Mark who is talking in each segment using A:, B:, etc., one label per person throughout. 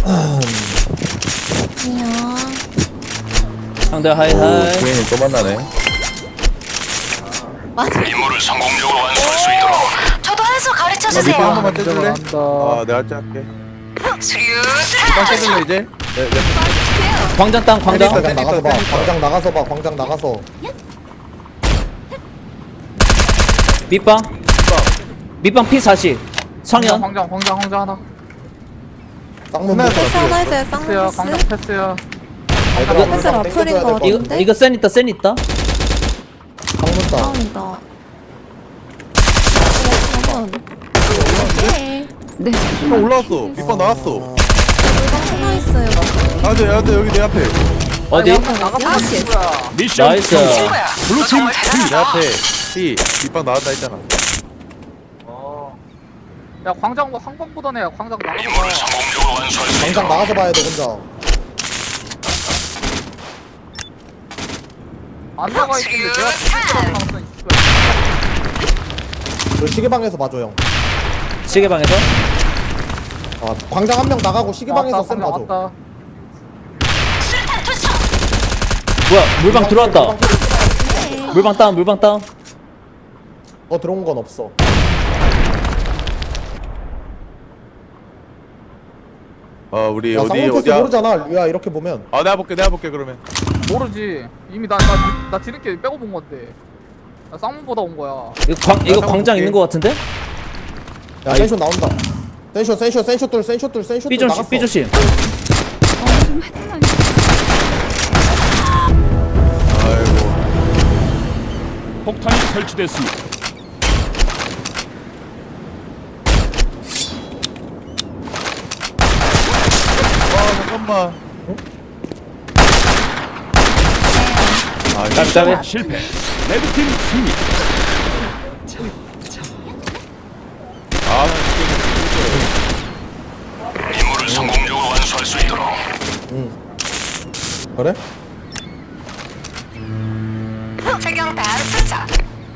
A: 안녕.
B: 상대 하이하이.
C: 부인이 또 만나네.
A: 맞아.
D: 임무를 성공적으로 완수할 수 있도록
A: 저도 한 수 가르쳐
C: 밑에 한
A: 주세요.
C: 번만 떼줄래? 아, 내가 할게. 밑방 떼줄래 이제? 네.
B: 광장 땅 광장.
C: 세니까,
E: 광장 나가서 봐.
C: 세니까.
E: 광장 나가서 봐. 광장 나가서.
B: 밑방. 밑방 P40. 성현.
F: 광장 하나.
E: 쌍문
C: 하나
A: 패스 하나 해줘요.
F: 패스야,
A: 쌍문
F: 광장
A: 패스.
F: 패스야.
E: 얘들아,
A: 패스
E: 광장
A: 라플인
E: 땡겨줘야
A: 거
E: 될 것
A: 같은데?
B: 이거 센 있다 센 있다.
E: 쌍문 땅.
A: 다운이다. 네.
C: 형 올라왔어. 밑방 나왔어.
A: 물방 하나 있어요.
C: 야돼 여기 내 앞에.
B: 어디?
A: 야시.
D: 미션
B: 나이스.
D: 블루팀
C: 내 앞에. B 밑방 나왔다 했잖아.
F: 야 광장 뭐 항공보다네. 광장 나가서
D: 임무를 성공적으로 완수할 수
E: 광장
D: 있도록
E: 나가서 봐야 돼 혼자.
F: 안 나가 있는데 내가 가능성이 있을
E: 그 시계방에서 봐줘 형.
B: 시계방에서.
E: 아 광장 한 명 나가고 시계방에서 쌤
F: 광장
E: 봐줘.
F: 왔다.
B: 뭐야 물방 들어왔다. 물방 다운 물방 다운.
E: 들어온 건 없어.
C: 우리
E: 야
C: 어디
E: 쌍문 패스
C: 어디야?
E: 모르잖아. 야 이렇게 보면.
C: 내가 볼게 그러면.
F: 모르지. 이미 나 뒤늦게 빼고 본 건데. 나 쌍문보다 온 거야.
B: 이거 광장 있는 거 같은데?
E: 야 센쇼 나온다. 센쇼
B: B 조심
E: 나갔어.
B: B 조심.
C: 아이고.
D: 폭탄이 설치됐습니다.
C: 잠깐만.
B: 깜짝이야.
D: 실패. 레드팀 승리. 임무를 성공적으로 완수할 수 있도록
E: 그래?
A: 최경 다음 투척.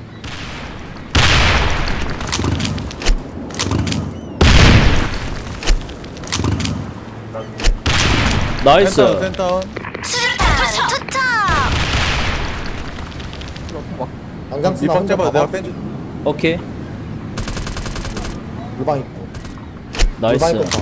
B: 나이스.
C: 센터.
A: 투척.
E: 광장 쓰나
C: 밑방
E: 혼자
C: 잡아. 내가
E: 봐봐.
C: 뺀.
B: 오케이.
E: 물방 있고.
B: 나이스.
E: 물방 있고.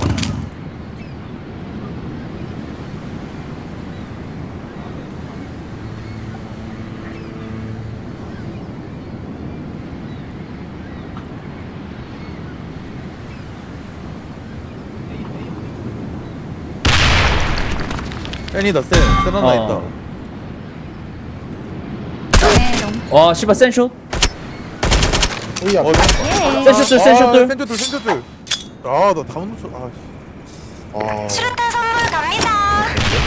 C: 센이다 센. 센 하나 있다.
B: 와 씨발 센슛.
E: 오야.
B: 센슛들 센슛들.
C: 센터들. 나 다운 놓쳐.
A: 수류탄 선물 갑니다.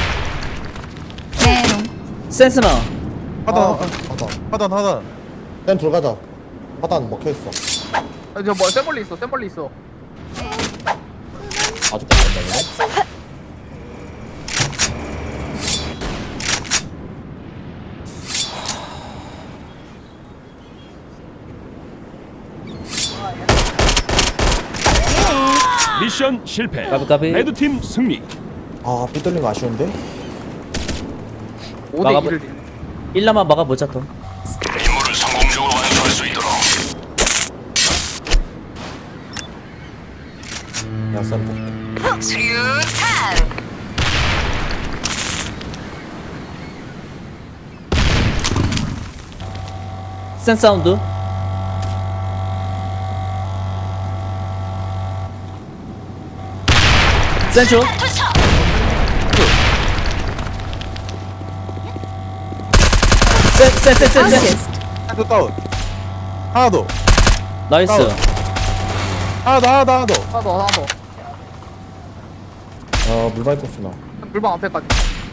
B: 센스나.
C: 하단.
E: 쌤 들어가자. 하단 먹혀 있어.
F: 저뭐 샘멀리 있어.
E: 아주 깜짝이네.
D: 미션 실패.
B: 까비.
D: 레드팀 승리.
E: 삐뚤린 거 아쉬운데?
F: 5대
B: 막아봐.
F: 2를
B: 1라만 막아보자 또.
D: 임무를 성공적으로 완수할 수 있도록
E: 야 쌤.
A: 수류탄.
B: 센 사운드. 센슛.
A: 투척.
B: 센.
C: 센터 다운. 하나 더.
B: 나이스.
C: 하나 더.
F: 하나 더.
E: 물방 있고 쓰나.
F: 물방 앞에까지.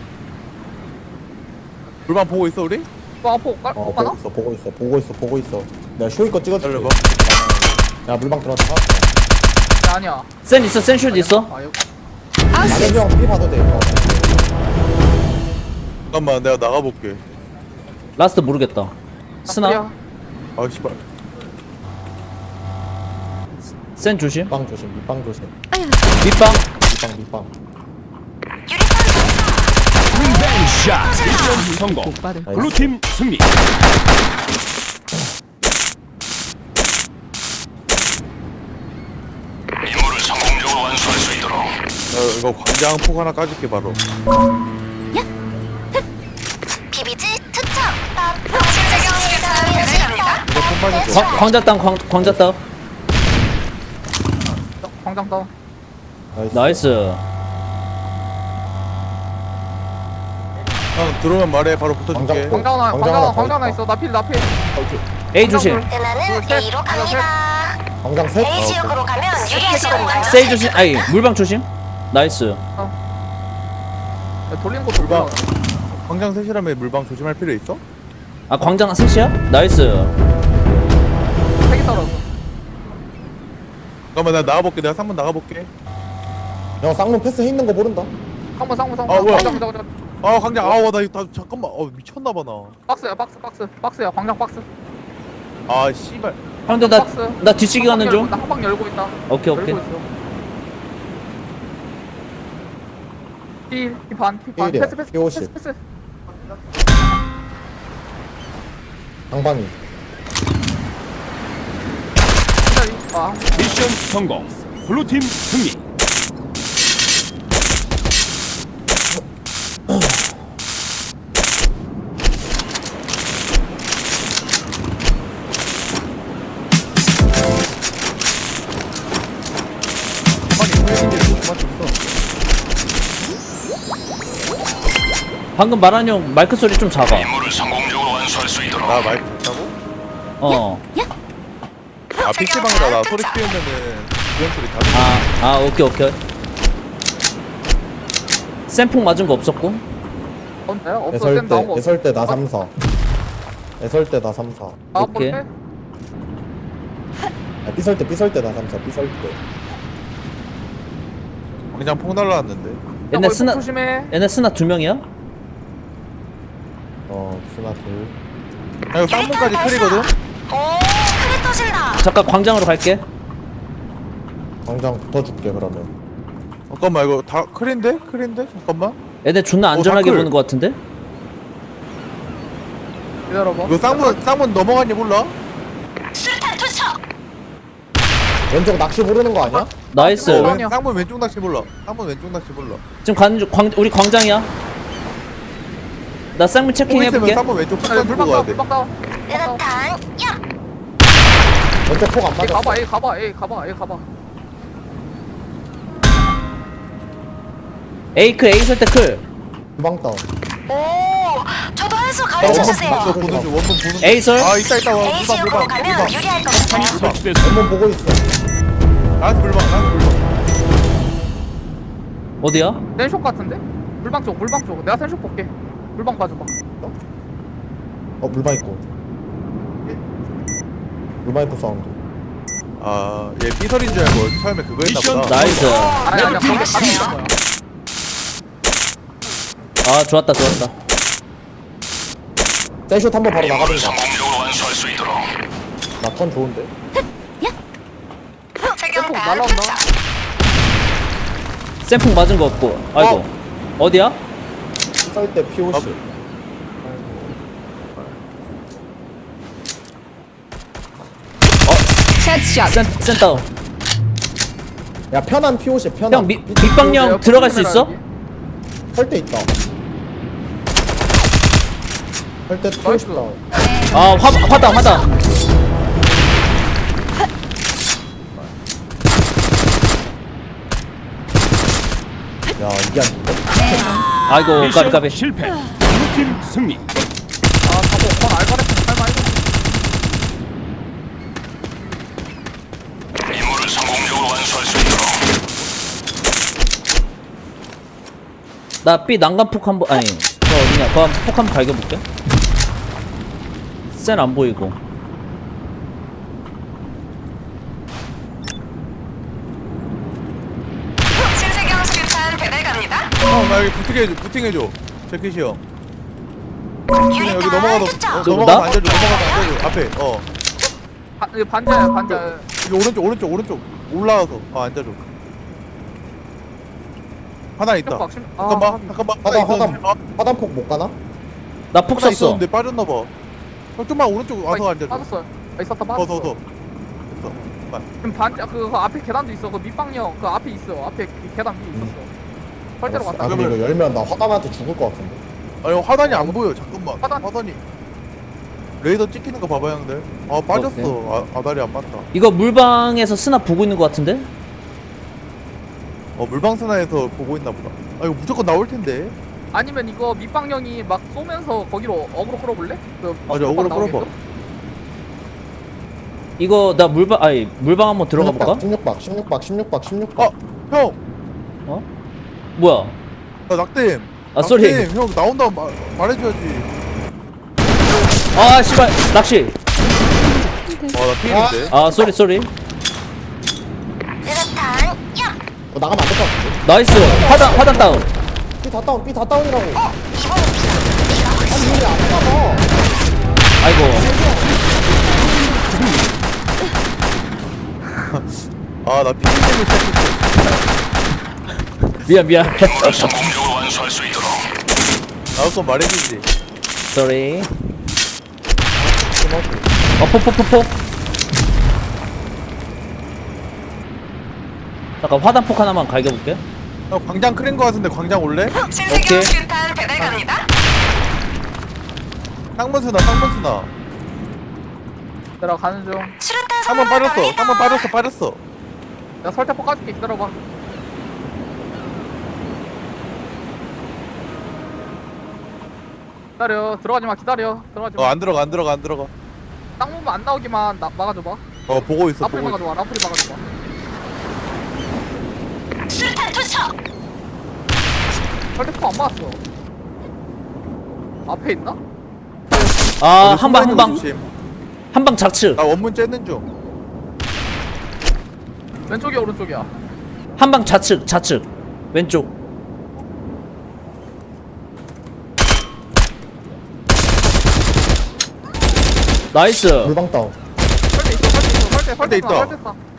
C: 물방 보고 있어 우리?
F: 뭐 앞으로 못 가나?
E: 보고 있어. 내가 쇼이 거 찍어줄게.
C: 기다려봐.
E: 야 물방 들어왔다.
F: 아니야.
B: 센 있어 센슛 있어.
F: 여기.
E: 나는 형 삐 봐도 돼.
C: 잠깐만 내가 나가볼게.
B: 라스트 모르겠다. 스나.
F: 야,
C: 씨발.
B: 센 조심.
E: 밑방 조심.
B: 밑방.
E: 밑방.
D: 리벤지 샷. 미션 성공. 블루팀 승리. 임무를 성공적으로 완수할 수 있도록.
C: 이거 광장 폭 하나 까줄게 바로.
A: 비비지 투척. 신세경 수류탄 배달갑니다.
C: 이거 폭만 줘.
B: 광자 땅 광자 땅
F: 광장 다운.
B: 나이스.
C: 형 들어오면 말해 바로 붙어줄게.
E: 광장
F: 광장 하나,
E: 광장
F: 광장 하나,
E: 하나
F: 광장 하나
E: 더
F: 있어. 나필, 나필.
B: A 조심.
A: 은하는
F: 셋.
A: A로 갑니다.
E: 광장 셋.
A: A 지역으로 가면 유리할 시간만.
B: 세이 조심. 아이 물방 조심. 나이스.
F: 야, 돌리는 거 돌려.
C: 광장 셋이라면 물방 조심할 필요 있어?
B: 아 광장 셋이야? 나이스.
F: 세개 떨어져.
C: 잠깐만 나 나가볼게. 내가 3번 나가볼게.
E: 형 쌍문 패스 있는 거 모른다.
F: 쌍문.
C: 아, 뭐야?
F: 광장.
C: 아 광장 아우 나 이거 다 잠깐만. 미쳤나봐 나.
F: 박스야, 박스야. 광장 박스.
C: 아 씨발.
B: 형들 나 뒤치기 가는 중.
F: 나 한 방 열고 있다.
B: 오케이 오케이.
F: 열고 있어. P 반.
E: P이야.
F: 패스.
E: P50.
F: 패스.
E: 방방이.
F: 아,
D: 미션 성공. 블루팀 승리.
B: 방금 말한 형 마이크 소리 좀 작아.
D: 임무를 성공적으로 완수할 수 있도록.
C: 나 마이크 있다고?
B: 어.
C: 아 PC방이라 나 소리 키우면은 그런 소리 다 들려.
B: 아 오케이. 샘풍 맞은 거 없었고.
F: 언제야? 없어.
E: 애설
F: 쌤 나온 거
E: 때
F: 없어.
E: 애설 때나 3사. 애설 때나 3사.
F: 아,
B: 오케이.
F: 볼게.
E: 삐설 때나 3사. 삐설 때.
C: 광장 폭 날라왔는데.
B: 얘네
F: 야,
B: 스나
F: 조심해.
B: 얘네 스나 2명이야?
E: 스나 둘.
C: 아 이거 쌍문까지 클이거든?
A: 오, 크게 떠진다.
B: 잠깐 광장으로 갈게.
E: 광장 붙어줄게 그러면.
C: 잠깐만 이거 다 클인데? 잠깐만.
B: 얘네 존나 안전하게
C: 다클.
B: 보는 거 같은데?
F: 기다려봐.
C: 이거 쌍문 넘어갔니 몰라?
A: 수류탄 투척.
E: 왼쪽 낚시 모르는 거 아니야?
B: 나이스.
F: 어, 아니야.
C: 쌍문 왼쪽 낚시 몰라. 쌍문 왼쪽 낚시 몰라.
B: 지금 가는 중 우리 광장이야. 나 쌍문 체킹
C: 폭 있으면
B: 해볼게.
C: 쌍문 왼쪽 폭
F: 아,
C: 던지고
F: 물방
C: 가야
F: 다운,
C: 돼.
F: 물방 다운.
A: 은하탄 야.
E: 왼쪽 폭 안
F: A
E: 맞았어.
F: 가봐, A 가봐.
B: A 쓸 때 클.
E: 주방 다운.
A: 오, 저도 한 수 가르쳐 주세요.
C: 원문 보는 중.
B: A 설?
C: 아 있다.
A: A 지역으로 가면 유리할 것 같아요.
D: 설치됐습니다.
E: 한번 보고 있어.
C: 라스 물방.
B: 어디야?
F: 센쇼 같은데? 물방 쪽. 내가 센쇼 볼게. 물방 봐줘봐.
E: 물방 있고. 물방 있고 사운드.
C: 아얘 삐설인 줄 알고 처음에 그거 했나
D: 미션
C: 보다.
B: 나이스.
F: 아니, 거기
A: 잘하시네요.
F: 가는 거야.
B: 아 좋았다.
E: 센슛 한번 바로
D: 임무를
E: 나가든가.
D: 성공적으로 완수할 수 있도록.
E: 나 턴 좋은데?
A: 최경단
F: 날라온다.
A: 투척.
B: 샘풍 맞은 거 없고. 아이고. 어디야?
E: 삐설 때 POC.
B: 센다운.
E: 야 편한 POC 편한.
B: 형 밑방령 들어갈 수 있어?
E: 설때 있다. 설때 POC 다운.
B: 아 화다.
E: 야 이게 안 된다.
B: 아이고
D: 미션
B: 까비.
D: 실패. 블루팀 승리.
F: 아, 가보. 건 알바레스 설마 이거.
D: 임무를 성공적으로 완수할 수 있도록.
B: 나 B 난간폭 한번 아니 저 어디냐? 그거 폭 한번 갈겨볼게. 센 안 보이고.
A: 신세경 수류탄 배달 갑니다.
C: 나 여기 부팅해줘. 재킷이 형. 여기
A: 유리탄
C: 넘어가도
A: 투척.
C: 넘어가도 앉아줘. 앞에.
F: 이거 반자야.
C: 여기 오른쪽 올라와서 앉아줘. 하나 있다.
F: 아,
C: 잠깐만.
E: 화단폭 못 가나?
B: 나 폭
C: 하나
B: 썼어.
C: 있었는데 빠졌나 봐. 형 좀만 오른쪽 와서 앉아.
F: 빠졌어. 있었다 빠졌어.
C: 더.
F: 지금 그 앞에 계단도 있어. 그 밑방형 그 앞에 있어. 앞에 그 계단 위에 있었어. 설대로
E: 알았어.
F: 갔다.
E: 아 근데 이거 열면 나 화단한테 죽을 것 같은데.
C: 아니 화단이 안 보여. 잠깐만.
F: 화단.
C: 화단이. 레이더 찍히는 거 봐봐 형들. 아 빠졌어. 아다리 안 맞다.
B: 이거 물방에서 스나 보고 있는 것 같은데?
C: 물방사나에서 보고 있나 보다. 아 이거 무조건 나올 텐데.
F: 아니면 이거 밑방형이 막 쏘면서 거기로 어그로 끌어볼래? 그
C: 맞아 어그로 끌어봐.
F: 나오게끔?
B: 이거 나 물방 한번 들어가 볼까?
E: 16박.
C: 형.
B: 뭐야?
C: 나 낙댐.
B: 아, 쏘리.
C: 낙댐. 형 나온다 말해줘야지.
B: 아 씨발 낚시.
C: 나 피해인데.
B: 아 쏘리.
A: 수류탄 야
E: 나가면 안 될 것 같은데.
B: 나이스. 화단 다운.
E: 삐 다 다운이라고.
A: 이번엔 비가
E: 아니 이게 안 가봐.
B: 아이고.
C: 나 피해 때문에 시작했어.
B: 미안.
D: 성공적으로 완수할 수 있도록.
C: 나올 건 말해주지.
B: 쏘리. 폭. 잠깐 화단폭 하나만 갈겨볼게.
C: 형 광장 크린 거 같은데 광장 올래?
A: 신세경
B: 오케이.
A: 수류탄 배달 갑니다.
C: 쌍문스나.
F: 내려가는 중.
A: 수류탄
C: 쌍문
A: 선물
C: 빠졌어. 쌍문 빠졌어.
F: 나 설대포 까줄게. 기다려봐. 들어가지 마. 기다려. 들어가지 마.
C: 안 들어가.
F: 땅무만 안 나오기만 막아줘봐.
C: 보고 있어.
F: 라프리 막아줘봐.
A: 수류탄 투척.
F: 설대포 안 맞았어. 앞에 있나?
B: 아
C: 어디 숨어있는 거
B: 한방
C: 조심.
B: 한방 좌측.
C: 나 원문 째는 중.
F: 왼쪽이야 오른쪽이야?
B: 한방 좌측 왼쪽. 나이스.
E: 물방 다운.
F: 설대 있어.
C: 있다.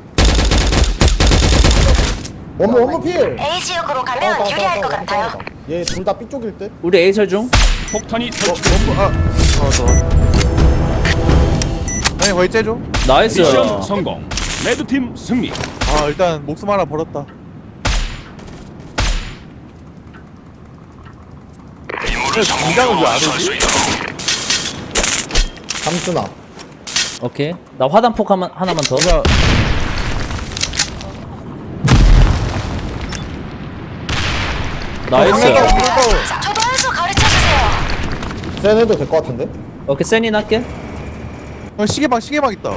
E: 원무 필.
A: A 지역으로 가면 유리할 것 같아요.
E: 얘 둘 다 B 쪽일 듯.
B: 우리 A 설중.
D: 폭탄이 설치.
C: 아니 거의 째줘.
B: 나이스.
D: 미션 성공. 레드팀 승리.
C: 일단 목숨 하나 벌었다.
D: 임무를
C: 긴장을
D: 성공적으로
C: 왜안
D: 완수할 수
C: 오지?
D: 있도록.
E: 잠수나.
B: 오케이. 나 화단폭 하나만 더.
C: 그냥
B: 나이스.
A: 저도 한 수 가르쳐 주세요.
E: 센 해도 될 것 같은데.
B: 오케이 세니 할게.
C: 시계방 있다.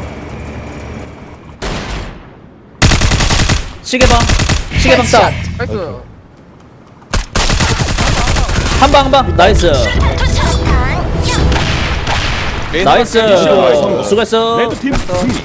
B: 시계방 다운.
F: 나이스.
B: 한방 나이스.
A: 투척탄 야
B: 나이스.
D: 미션 성공.
B: 수고했어.
D: 레드팀 승리.